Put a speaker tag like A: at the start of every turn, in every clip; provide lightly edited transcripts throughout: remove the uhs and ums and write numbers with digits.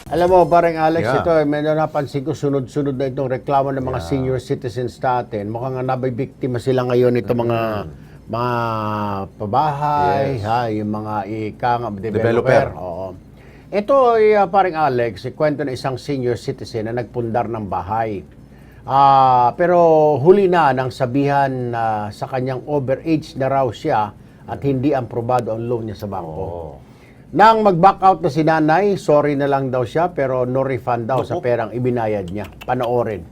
A: Alam mo, parang Alex,
B: Yeah.
A: ito, medyo napansin ko, sunod-sunod na itong reklamo ng mga senior citizens natin. Mukhang nabibiktima sila ngayon ito mga pabahay,
B: Yes.
A: yung mga developer.
B: Developer.
A: Oo. Ito ay parang Alex, kwento ng isang senior citizen na nagpundar ng bahay. Pero huli na nang sabihan sa kanyang overage na raw siya at hindi aprobado ang loan niya sa bangko. Nang mag-back out na si nanay, sorry na lang daw siya pero no refund daw sa perang ibinayad niya. Panoorin.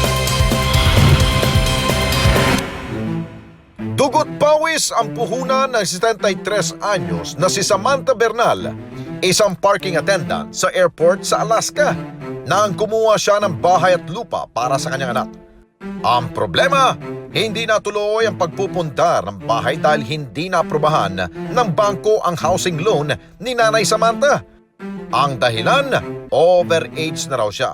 C: Dugot pawis ang puhunan ng 73 anyos na si Samantha Bernal, isang parking attendant sa airport sa Alaska, nang kumuha siya ng bahay at lupa para sa kanyang anak. Ang problema, hindi natuloy ang pagpupundar ng bahay dahil hindi naaprubahan ng bangko ang housing loan ni Nanay Samantha. Ang dahilan, overage na raw siya.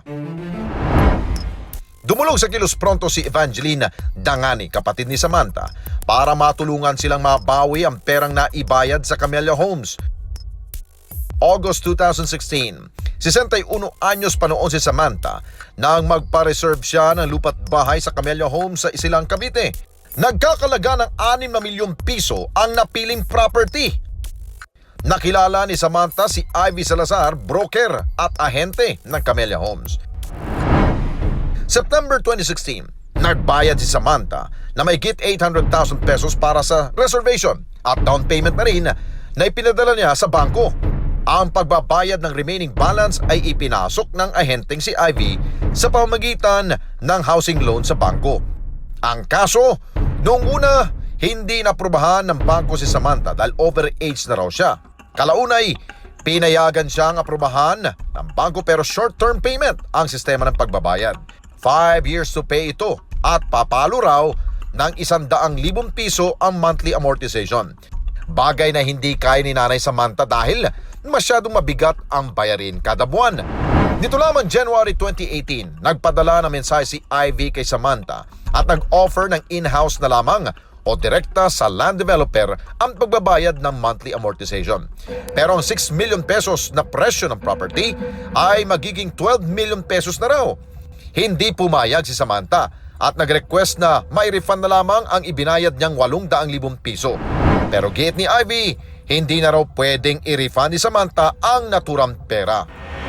C: Dumulog sa kilos pronto si Evangeline Dangani, kapatid ni Samantha, para matulungan silang mabawi ang perang naibayad sa Camellia Homes. August 2016, 61 anyos pa noon si Samantha nang magpa-reserve siya ng lupa't bahay sa Camellia Homes sa Isilang, Cavite. Nagkakalaga ng 6 na milyong piso ang napiling property. Nakilala ni Samantha si Ivy Salazar, broker at ahente ng Camellia Homes. September 2016, nagbayad si Samantha na mahigit 800,000 pesos para sa reservation at down payment na rin na ipinadala niya sa bangko. Ang pagbabayad ng remaining balance ay ipinasok ng ahenteng si Ivy sa pamamagitan ng housing loan sa bangko. Ang kaso, noong una, hindi naprubahan ng bangko si Samantha dahil overage na raw siya. Kalaunay, pinayagan siyang aprubahan ng bangko pero short-term payment ang sistema ng pagbabayad. 5 years to pay ito at papalo raw ng 100,000 piso ang monthly amortization. Bagay na hindi kaya ni Nanay Samantha dahil masyadong mabigat ang bayarin kada buwan. Nito lamang January 2018, nagpadala ng mensahe si Ivy kay Samantha at nag-offer ng in-house na lamang o direkta sa land developer ang pagbabayad ng monthly amortization. Pero ang 6 million pesos na presyo ng property ay magiging 12 million pesos na raw. Hindi pumayag si Samantha at nag-request na may refund na lamang ang ibinayad niyang 800,000 piso. Pero giit ni Ivy, hindi na raw pwedeng i-refund ni Samantha ang naturang pera.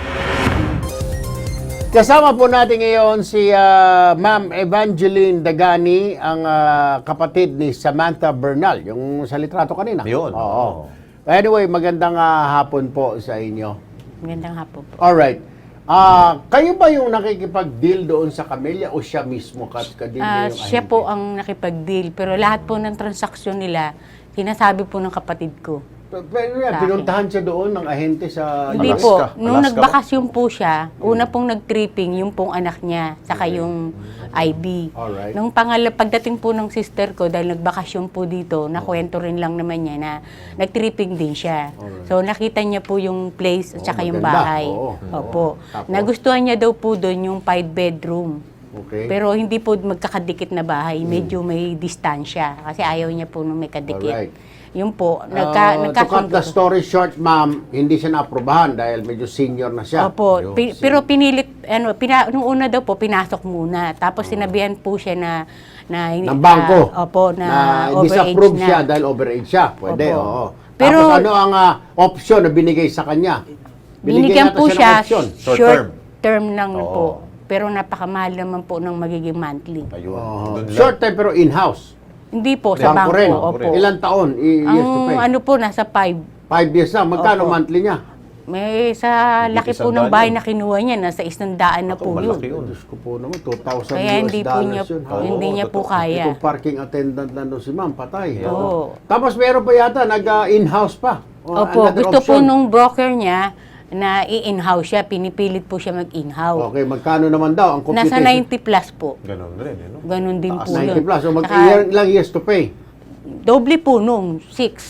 A: Kasama po natin ngayon si Ma'am Evangeline Dagani, ang kapatid ni Samantha Bernal, yung sa litrato kanina.
B: Yun.
A: Oo. Anyway, magandang hapon po sa inyo.
D: Magandang hapon po.
A: Alright. Kayo ba yung nakikipag-deal doon sa Camellia o siya mismo ka-deal niya yung
D: Siya po ang nakipag-deal, pero lahat po ng transaksyon nila, sinasabi po ng kapatid ko.
A: Pero yan, pinuntahan siya doon ng ahente sa
D: Hindi
A: Alaska.
D: po. Nung
B: Alaska
D: nagbakasyon po siya, una pong nag-tripping yung pong anak niya, saka yung IB.
A: Alright.
D: Nung pagdating po ng sister ko, dahil nagbakasyon po dito, nakwento rin lang naman niya na nag-tripping din siya. So nakita niya po yung place at saka yung
A: maganda.
D: bahay.
A: Oo.
D: Opo.
A: Tapos?
D: Nagustuhan niya daw po doon yung 5-bedroom.
A: Okay.
D: Pero hindi po magkakadikit na bahay, medyo may distansya kasi ayaw niya po nung may kadikit.
A: Alright.
D: Yun po,
A: To cut
D: nagkasundo.
A: the story short, ma'am, hindi siya naaprubahan dahil medyo senior na siya.
D: Opo, pero pinilit, nung una daw po, pinasok muna. Tapos sinabihan po siya
A: Ng bangko.
D: opo, na overage
A: disapprove
D: na.
A: siya dahil overage siya. Pwede,
D: Opo.
A: oo.
D: Pero-
A: Tapos ano ang option na binigay sa kanya?
D: Binigyan
A: yata
D: po
A: ng
D: siya,
A: option.
B: Short
D: short
B: term.
D: term lang po. Pero napakamahal naman po ng magiging monthly.
B: Ayun.
A: Oo.
B: Doon lang.
A: Short time pero in-house.
D: Hindi po, sa
A: Bangko
D: bangko.
A: rin.
D: Opo.
A: Ilang taon? Years to pay?
D: Ang ano po, nasa 5.
A: 5 years na. Magkano
D: Opo.
A: monthly niya?
D: May sa
B: Hindi
D: laki po
B: isang
D: ng
B: daan
D: bahay
B: yun.
D: na kinuha niya, nasa 100 na po yun.
B: Malaki yun.
A: Diyos ko po naman, 2,000
D: Kaya hindi
A: US
D: po
A: dollars
D: niya,
A: yun.
D: hindi niya po
B: totoo.
D: kaya.
A: Itong parking attendant lang doon si ma'am, patay.
D: Oo.
A: Tapos meron pa yata, nag-in-house pa. O,
D: Opo,
A: another
D: gusto po
A: option.
D: nung broker niya na i-in-house siya, pinipilit po siya mag-in-house.
A: Okay, magkano naman daw ang computation?
D: Nasa 90 plus po.
B: Ganun rin, no?
D: Ganon din po
A: 90
D: yun.
A: plus. So,
D: Saka,
A: ilang years to pay?
D: doble po nung 6.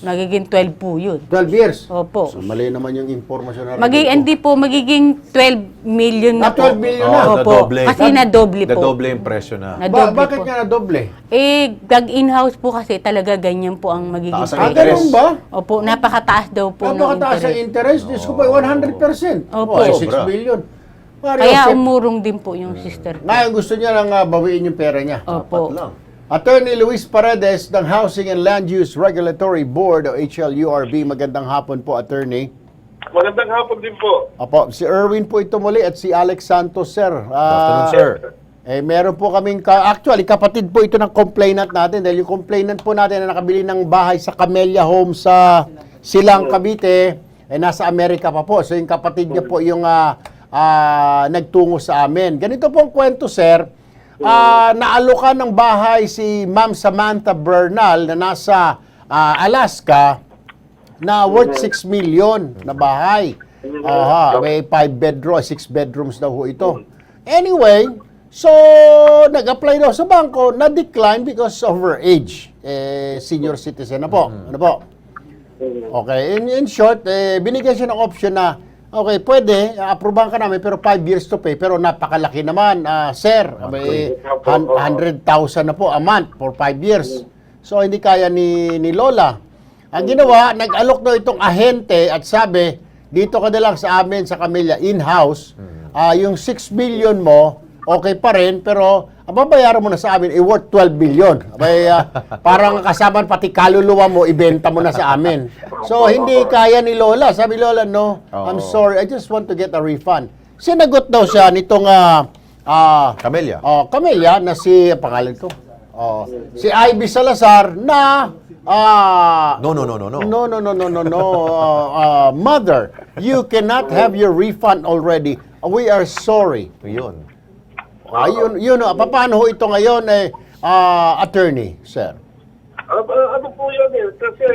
D: Magiging 12 po yun.
A: 12 years?
D: Opo.
A: So, mali naman yung informasyon na
D: Hindi po, magiging 12 million na po.
A: 12 million na?
D: Opo.
B: Nadoble.
D: Kasi nadoble po.
B: Nadoble yung presyo na.
D: Nadoble
A: Bakit
D: po.
A: nga na doble?
D: In-house po kasi talaga ganyan po ang magiging
B: Taas ang
D: presyo.
A: ganun ba?
D: Opo, napakataas daw po ng
A: Napakataas ang
D: interest.
A: interest. Diyos ko pa, 100%.
D: Opo.
A: Ay, 6
B: Sobra.
A: billion. Mario,
D: Kaya umurong din po yung sister ko.
A: ngayon gusto niya lang bawiin yung pera niya.
D: Opo.
B: Dapat lang.
A: Attorney Luis Paredes ng Housing and Land Use Regulatory Board o HLURB. Magandang hapon po, Attorney.
E: Magandang hapon din po.
A: Opo, si Erwin po ito muli at si Alex Santos, sir.
B: Good afternoon, sir.
A: Meron po kaming, actually, kapatid po ito ng complainant natin dahil yung complainant po natin na nakabili ng bahay sa Camellia Home sa Silang, Cavite, nasa Amerika pa po. So yung kapatid niya po yung nagtungo sa amin. Ganito po ang kwento, sir. Naalokan ng bahay si Ma'am Samantha Bernal na nasa Alaska na worth 6 million na bahay. May 6 bedrooms daw ho ito. Anyway, so nag-apply daw sa bangko, na-decline because of her age. Senior citizen na po. Ano po? Okay, in short, binigyan siya ng option na okay, pwede, aprobahan ka namin, pero 5 years to pay. Pero napakalaki naman, sir. May 100,000 na po a month for 5 years. So, hindi kaya ni Lola. Ang ginawa, nag-alok daw itong ahente at sabi, dito ka na lang sa amin sa Camellia, in-house. Yung 6 billion mo, okay pa rin, pero babayaran mo na sa amin, worth 12 billion. Parang kasama pati kaluluwa mo, ibenta mo na sa amin. So, hindi kaya ni Lola. Sabi Lola, no, I'm sorry, I just want to get a refund. Sinagot daw siya nitong
B: Camellia.
A: Camellia na si, pangalan ko, si Ivy Salazar na
B: No.
A: mother, you cannot have your refund already. We are sorry.
B: Yun.
A: Paano ho ito ngayon, attorney, sir?
E: Ano po yan kasi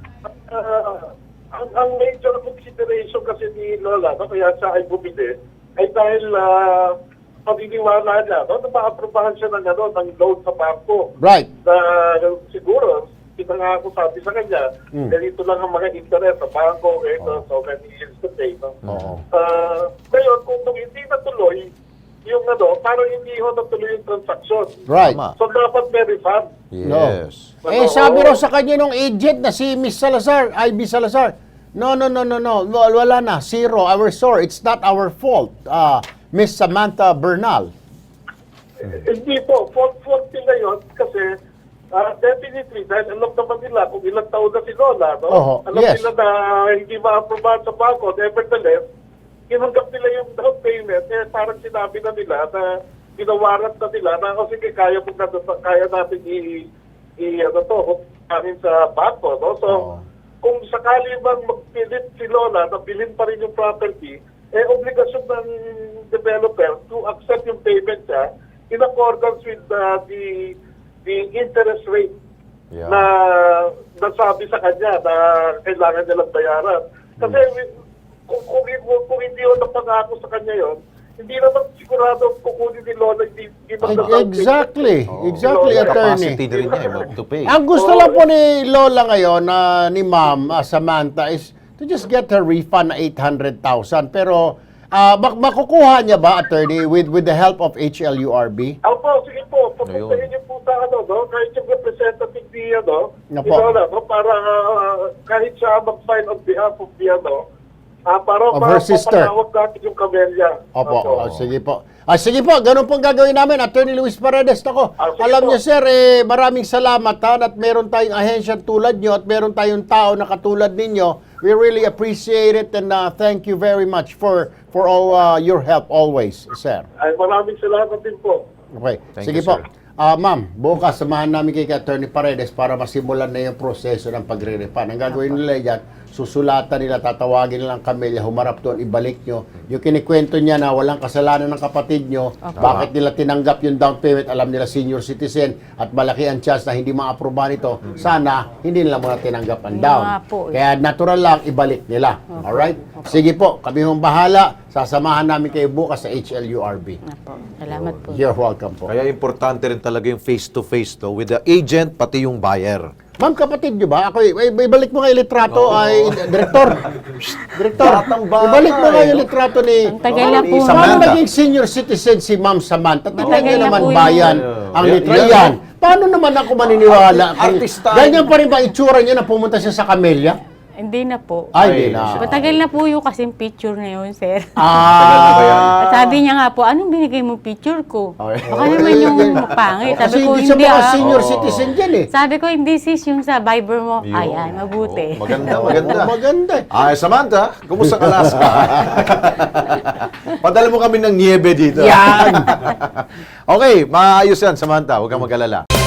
E: ang major consideration kasi ni Lola, kaya siya ay bumili, ay dahil paginiwala niya, na ma-aprobahan siya ng loan sa bangko.
A: Right.
E: Na siguro, kita nga ako sabi sa kanya, ganito lang ang mga interest sa bangko, so many years to pay. Ngayon, kung hindi natuloy, yung parang hindi ho natuloy yung transaction.
A: Right.
B: Tama.
E: So, dapat may refund.
B: Yes.
A: Sabi raw sa kanya nung agent na si Miss Salazar, Ivy Salazar, no, wala na, zero, we're sorry, it's not our fault, Miss Samantha Bernal.
E: Hindi po, fault nila yun kasi definitely, dahil alam naman nila kung ilang taon na si Lola, alam
A: yes.
E: nila na hindi ma-aprobahan sa bangko, nevertheless, kinanggap nila yung down payment, parang sinabi na nila na ginawarat na nila na sige, kaya natin hutangin sa bangko. No? So, kung sakali bang magpilit si Lola na bilhin pa rin yung property, obligasyon ng developer to accept yung payment niya in accordance with the interest rate na nasabi sa kanya na kailangan nilang bayaran. Kasi kung hindi yun napangako sa kanya yon, hindi naman sigurado kukunin ni Lola.
A: Exactly, attorney.
B: Capacity na rin niya to pay.
A: Ang gusto lang po ni Lola ngayon, ni Ma'am Samantha, is to just get her refund na 800,000. Pero, makukuha niya ba, attorney, with the help of HLURB?
E: Opo, sige po. Papuntahin niyo po sa kahit yung representative ni
A: Nga
E: ni
A: po.
E: Lola, para kahit siya mag-file on behalf of the para
A: Of her sister.
E: mapatawag natin yung Camellia.
A: Opo. Sige po. Sige po, ganun pong gagawin namin. Attorney Luis Paredes, ako.
E: Sige
A: Alam
E: po.
A: niyo, sir, maraming salamat at meron tayong ahensya tulad niyo at meron tayong tao na katulad ninyo. We really appreciate it and thank you very much for all your help always, sir.
E: Ay, maraming salamat din po.
A: Okay.
B: Thank
A: Sige
B: you,
A: po.
B: sir.
A: Ma'am, bukas samahan namin kay Attorney Paredes para masimulan na yung proseso ng pagre-refund. Ang gagawin nila yan, susulatan nila, tatawagin nila ang Camellia, humarap doon, ibalik nyo. Yung kinikwento niya na walang kasalanan ng kapatid nyo, bakit nila tinanggap yung down payment, alam nila senior citizen, at malaki ang chance na hindi ma-aprobahan ito, sana hindi nila muna tinanggap ang down.
D: nga po,
A: Kaya natural lang, ibalik nila. Alright? Sige po, kami hong bahala. Sasamahan namin kayo bukas sa HLURB.
D: Apo, salamat po.
A: You're welcome po.
B: Kaya importante rin talaga yung face-to-face with the agent pati yung buyer.
A: Ma'am, kapatid nyo ba? Ako, ibalik mo nga yung litrato, ay, Direktor. Direktor,
B: Batang-bata,
A: ibalik mo nga
B: eh,
A: yung
B: no?
A: litrato ni...
D: Ang tagal na po.
B: Samantha.
A: Paano naging senior citizen si Ma'am Samantha? Tingnan
D: Matagal
A: nyo
D: na
A: naman
D: po
A: bayan
B: yun.
A: ang
B: Yan,
A: litra
B: yan.
A: yan. Paano naman ako maniniwala?
B: Artista.
A: Ganyan pa rin ba itsura niya na pumunta siya sa Camellia?
D: Hindi na po.
A: Ay, hindi na.
D: Matagal na po yung kasing picture na yun, sir.
B: na ba yan?
A: Ah.
D: At sabi niya nga po, anong binigay mo picture ko?
B: Okay.
D: Baka naman yung pangit.
A: Kasi
D: Sabi ko,
A: hindi siya
D: hindi
A: mga
D: ah.
A: senior citizen dyan eh.
D: Sabi ko, hindi sis, yung sa Viber mo.
B: Yun.
D: Ayan, mabuti.
B: Oh, maganda, maganda.
A: Maganda eh.
B: Ay, Samantha, kumusta ka Alaska? Padala mo kami ng niebe dito.
A: Yan!
B: Okay, maayos yan, Samantha. Huwag kang mag-alala.